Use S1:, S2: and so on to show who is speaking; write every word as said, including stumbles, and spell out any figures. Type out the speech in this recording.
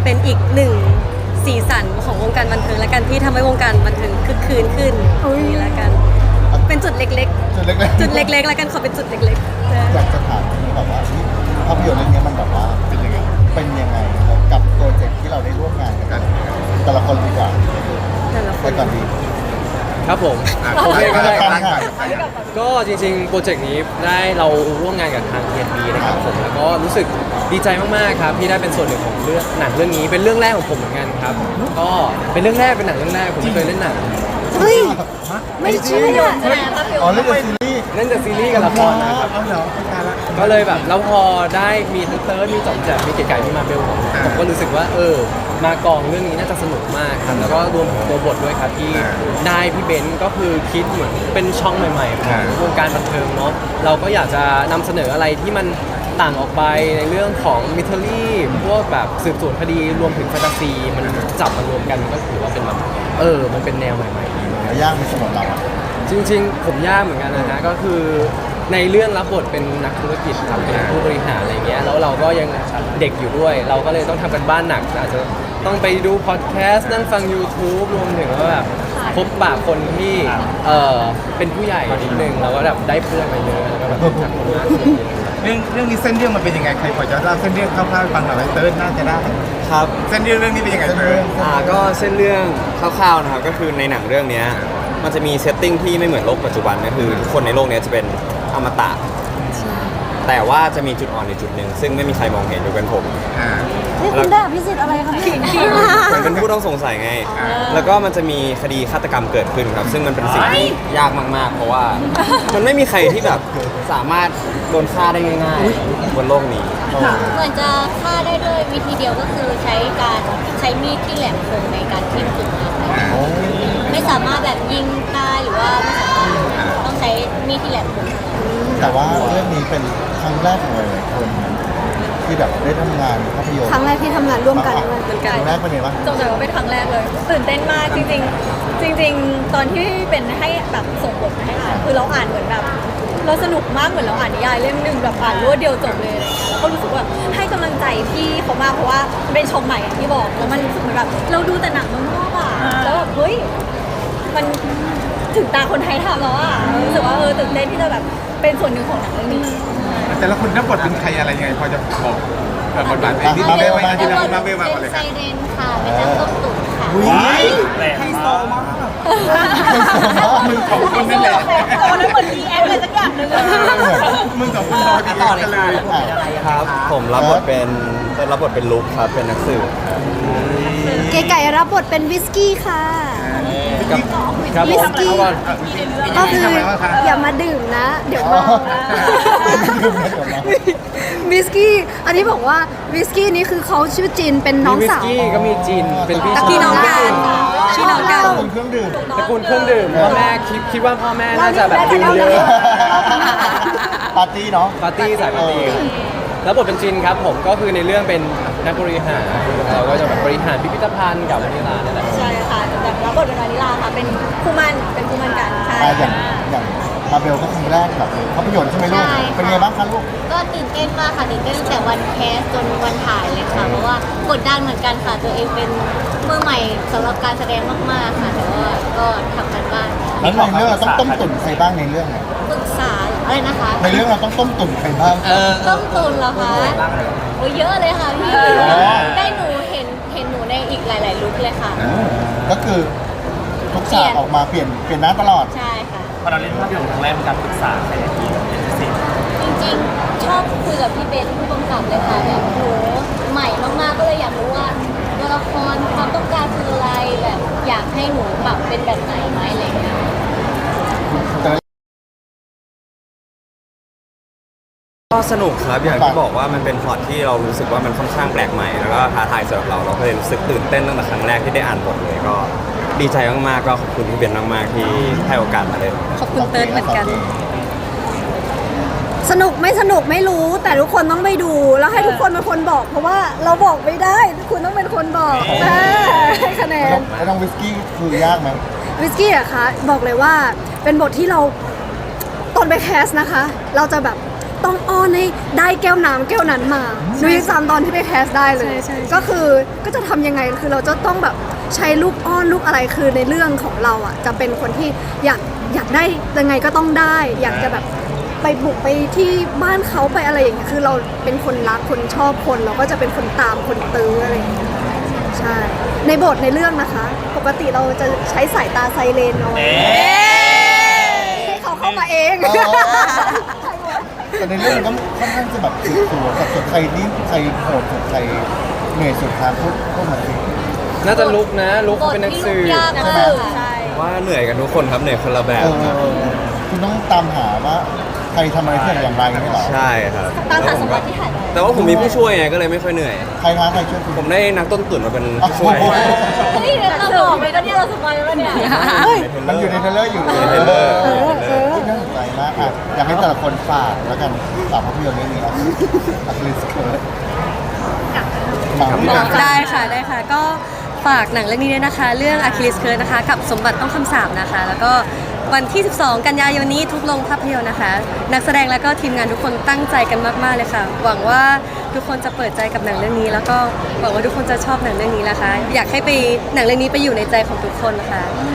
S1: เป็นอีกหนึ่งสีสันของวงการบันเทิงและกันที่ทำให้วงการบันเทิงคึกคืนขึ้นนี่ละกันเป็นจุดเล็ก
S2: จุดเล็ก
S1: ๆ จุดเล็กๆแล้วกันขอเป็นจุดเล็กๆ
S2: ๆอยากจะถามแบบว่าภาพยนตร์เรื่องนี้มันแบบว่าเป็นยังไงเป็นยังไงกับโปรเจกต์ที่เราได้ร่วมงานกันแต่ละคนดีกว่า
S1: แต่ละค
S2: ไป
S1: น
S2: ก่อนดี
S3: ครับผมโอเคก็ได้ครับ
S2: ค่ะ
S3: ก็จริงๆ โปรเจกต์นี้ได้เราร่วมงานกับทาง ที เอ็น บี นะครับผมแล้วก็รู้สึกดีใจมากๆครับที่ได้เป็นส่วนหนึ่งของเรื่องหนังเรื่องนี้เป็นเรื่องแรกของผมเหมือนกันครับก็เป็นเรื่องแรกเป็นหนังเรื่องแรกผมไม่เคยเล่นหนัง
S4: เฮ้ยไม่เชื่อ
S2: อ๋อเรื่องซีรีส์
S3: เล่นแต่ซีรีส์กับละครนะครับ
S2: เอาเหรอตายละ
S3: ก็เลยแบบแล้วพอได้มีทั้งเติร์ดมีจอมแจกมีเก๋ไก่มีมาเบลผมผมก็รู้สึกว่าเออมากองเรื่องนี้น่าจะสนุกมากครับแล้วก็รวมถึงตัวบทด้วยครับที่ได้พี่เบนซ์ก็คือคิดเหมือนเป็นช่องใหม่ๆของวงการบันเทิงเนาะเราก็อยากจะนำเสนออะไรที่มันต่างออกไปในเรื่องของมิทเทอรี่พวกแบบสืบสวนคดีรวมถึงแฟนตาซีมันจับมารวมกันก็ถือว่าเป็นแบบเออมันเป็นแนวใหม่ๆดีเหมือนกัน
S2: ยากไหมสำหรับเราอ่ะ
S3: จริงๆ ผมยากเหมือนกันนะฮะก็คือในเรื่องรับบทเป็นนักธุรกิจครับเป็นผู้บริหารอะไรเงี้ยแล้วเราก็ยังเด็กอยู่ด้วย เราก็เลยต้องทำกันบ้านหนักอาจจะต้องไปดูพอดแคสต์นั่งฟัง YouTube รวมถึงว่าแบบพบปะคนที่เออเป็นผู้ใหญ่นิดนึงเราก็แบบได้เพื่อนมาเยอะแล้วก็แบบรู้จักคนมากขึ้น
S5: เรื่องเรื่องนี้เส้นเรื่องมันเป็นยังไงใครพอจะเล่าเส้นเรื่องคร่าวๆให้ฟังหน่อยไหมเติร์ดน่าจะได้
S6: ครับ
S5: เส้นเรื่องเรื่องนี้เป็นยังไงเติร์ด
S6: อ่าก็เส้นเรื่องคร่าวๆนะครับก็คือในหนังเรื่องเนี้ยมันจะมีเซตติ้งที่ไม่เหมือนโลกปัจจุบันก็คือทุกคนในโลกเนี้ยจะเป็นอมตะแต่ว่าจะมีจุดอ่อนในจุดหนึ่งซึ่งไม่มีใครมองเห็นยกเว้นผม
S5: อ่า
S4: นี่คุณได้อภิสิทธิ์อะไรคะเนี่ย
S6: ผมเป็นผู้ต้องสงสัยไง แล้วก็มันจะมีคดีฆาตกรรมเกิดขึ้นครับ ซึ่งมันเป็นสิ่งที่ยากมากๆ เพราะว่ามันไม่มีใครที่แบบสามารถโดนฆ่าได้ง่ายๆบนโลกนี้
S7: เหมือนจะฆ่าได้ด้วยวิธีเดียวก็คือใช้การใช้มีดที่แหลมคมในการทิ่มจุดนั้นไม่สามารถแบบยิงตายหรือว่าไม่สามารถต้องใช้มีดที่แหลมคม
S2: แต่ว่าเรื่องนี้เป็นครั้งแรกของหลายๆคนที่แบบได้ทำงานภาพยนตร์
S4: ครั้งแรกที่ทำงานร่วมกันด้วย
S1: เหมือน
S2: ค
S1: กัน
S2: รั้งแรกเป็นไงบ้าง
S8: จงใจว่าเป็นครั้งแรกเลยตื่นเต้นมากจริงๆ จริง ๆ ตอนที่เป็นให้แบบส่งบทมาให้อ่านคือเราอ่านเหมือนแบบเราสนุกมากเหมือนเราอ่านนิยายเล่มหนึ่งแบบอ่านรวดเดียวจบเลยอะไรเงี้ยแล้วก็รู้สึกว่าให้กำลังใจพี่เขามากเพราะว่าเป็นช่องใหม่อย่างที่บอกแล้วมันรู้สึกเหมือนแบบเราดูแต่หนังเมืองนอกอ่ะแล้วแบบเฮ้ยมันถึงตาคนไทยทำแล้วอ่ะรู้สึกว่าเออตื่นเต้นที่จะแบบเป็นส่วนหนึ่งของหนังเรื่องนี้
S5: แต่ละคนรับบทเป็นใครอะไรยังไงพอจะบอกแบบบทบาทเป็นที่มาเบลมาที่เรามาเบลมาก่อนเลย
S7: ไซ
S5: ครับ
S7: เรนค่ะเป็นนักต้มตุ๋นค่ะ
S5: ให้โซมากมึงของคนนั่นแหละ
S8: ตอนนั้นเหมือนรีแอคอะไรสักอย่างหนึ่งอะ
S5: มึงสองคนรอดีกันเลย
S6: ครับ ผมรับบทเป็นรับบทเป็นลุคครับ เป็นนักสืบ
S4: เก๋ไก่รับบทเป็นวิสกี้ค่ะ
S3: ครับครับ
S4: วิ
S3: ผม
S4: สกี้
S3: เอาก่อน
S4: ก็คืออย่ามาดื่มนะ เดี๋ยวเมานะวิสกี้อันนี้บอกว่าวิสกี้นี่คือเขาชื่อจินเป็นน้อง
S3: มีวิส
S4: สาว
S3: กี้ก็มีจินเป็นพี่
S1: ตะกี้น้องกันชื่อน้องกัน
S2: เป็นเครื่องดื่ม
S3: ตระกูลเครื่องดื่มพ่อแม่คิดคิดว่าพ่อแม่น่าจะแบบดื่มเยอะ
S2: ปาร์ตี้เนาะ
S3: ปาร์ตี้สายปาร์ตี้ครับแล้วบทเป็นจินครับผมก็คือในเรื่องเป็นนักบริหารเราก็จะแบบบริหารพิพิธภัณฑ์กับวานิลาเนี่ยแหละ
S8: ใช่ค่ะแบบรับบทเป็นวานิลาค่ะเป็นคู่หมั่นเป็นคู่หมั่นกันใช่
S2: อ่าอย่างอย่างมาเบลก็ครั้งแรกแบบภาพยนตร์ใช่ไหมลูก
S7: ใช่ค่ะ
S2: เป็นไงบ้างคะลูก
S7: ก็ตื่นเต้นมากค่ะตื่นเต้นตั้งแต่วันแคสจนวันถ่ายเลยค่ะเพราะว่ากดดันเหมือนกันค่ะตัวเองเป็นมือใหม่สำหรับการแสดงมากๆค่ะแต่ว่าก็ทำกันบ้าน
S2: แล้วในเรื่องเราต้องต้มตุ๋นใครบ้างในเรื่องเนี่ย
S7: ปรึกษาอะไรนะคะ
S2: ในเรื่องเราต้องต้มตุ๋นใครบ้าง
S7: ต้มตุนเหรอคะโอ้ยเยอะเลยค่ะพี่
S2: อ
S7: ได้หนูเห็นเห็นหนูในอีกหลาย ๆ ลุคเลยค่ะ
S2: ก็คือทุกฉากออกมาเปลี่ยนเปลี่ยนหน้าตลอด
S7: ใช่ค่ะ
S9: พอเราเล่นภาพยนตร์ครั้งแรกเป็นการปรึกษาใครในทีมเป็นพิเศษ
S7: จริงๆ ชอบคุยกับพี่เบนผู้กำกับเลยค่ะแบบหนูใหม่มากๆ ก็เลยอยากรู้ว่าตัวละครความต้องการคืออะไรแบบอยากให้หนูปรับเป็นแบบไหนไหมอะไรอย่างเงี้ย
S6: ก็สนุกครับอย่างที่บอกว่ามันเป็นพล็อตที่เรารู้สึกว่ามันค่อนข้างแปลกใหม่แล้วก็ท้าทายสำหรับเราเราก็เลยรู้สึกตื่นเต้นตั้งแต่ครั้งแรกที่ได้อ่านบทเลยก็ดีใจมากๆก็ขอบคุณพี่เบนมากๆที่ให้โอกาสมาเล่น
S1: ขอบคุณเติร์ดเหมือนกัน
S4: สนุกไม่สนุกไม่รู้แต่ทุกคนต้องไปดูแล้วให้ทุกคนเป็นคนบอก เพราะว่าเราบอกไม่ได้คุณต้องเป็นคนบอกอ่าให้คะแน
S2: แล้ว
S4: น
S2: แล้วน้องวิสกี้คือยากไหม
S4: วิสกี้อะคะบอกเลยว่าเป็นบทที่เราตอนไปแคสนะคะ เราจะแบบต้องอ้อนให้ได้แก้วน้ำแก้วนั้นมาหนูยังจำตอนที่ไปแคสได้เลย
S1: ใช่ใช่ใช่
S4: ก็คือก็จะทำยังไงคือเราจะต้องแบบใช้ลูกอ้อนลูกอะไรคือในเรื่องของเราอ่ะจะเป็นคนที่อยากอยากได้ยังไงก็ต้องได้ อยากจะแบบไปบุกไปที่บ้านเขาไปอะไรอย่างเงี้ยคือเราเป็นคนรักคนชอบคนเราก็จะเป็นคนตามคนตื้ออะไรอย่างเงี้ยใช่ในบทในเรื่องนะคะ ปกติเราจะใช้สายตาไซเรนเอาไว้ให้เขาเข้ามาเอง
S2: อ๋อ แต่ในเรื่องมันก็ค่อนข้างจะแบบสืบสวนกับส่วนใครนี่ใครโหดสุดใครเหนื่อยสุดทางพูดพูดมาสิ
S3: น่าจะลุกนะลุก
S7: บท
S3: เป็นนัก
S7: ที่
S3: สื
S7: ลู
S3: บ
S7: กยาก
S2: ใช่ไหม
S7: มาก
S8: ใช่
S6: ว่าเหนื่อยกันทุกคนครับเหนื่อยคนละแบ
S2: เอบ อคุณต้องตามหาว่าใครทำอะไรที่ไหนอย่างไรไม่หรอ
S6: ใช่ครับ
S8: ตามหาสมบัติที่หายไป
S6: แต่ว่าผมมีผู้ช่วยไงก็เลยไม่ค่อยเหนื่อย
S2: ใครท้าใครช่วยคุณ
S6: ผมได้นักต้นตุ๋นมาเป็นผู้ช่วย
S2: โอ้โห
S8: เฮ้ยเราบอกไปก็เนี่ยเราสบายแล้วเนี่ย
S2: มันอยู่ในเทรลเลอร์อยู่
S6: อยู่ในเทรลเลอร์
S2: เออเออน่าสนใจมากอ่ะอยากให้แต่ละคนฝากแล้วกันฝากภาพยนตร์เรื่องนี้ครับอัคลิสเคิร์ดฝากพี่
S1: ได้ค่ะได้ค่ะก็ฝากหนังเรื่องนี้ด้วยนะคะ เรื่อง Achilles Curse นะคะกับสมบัติต้องคำสาปนะคะ แล้วก็วันที่ สิบสอง กันยายนนี้ทุกโรงภาพยนตร์นะคะ นักแสดงแล้วก็ทีมงานทุกคนตั้งใจกันมากๆเลยค่ะ หวังว่าทุกคนจะเปิดใจกับหนังเรื่องนี้ แล้วก็หวังว่าทุกคนจะชอบหนังเรื่องนี้นะคะ อยากให้ไปหนังเรื่องนี้ไปอยู่ในใจของทุกคนนะคะ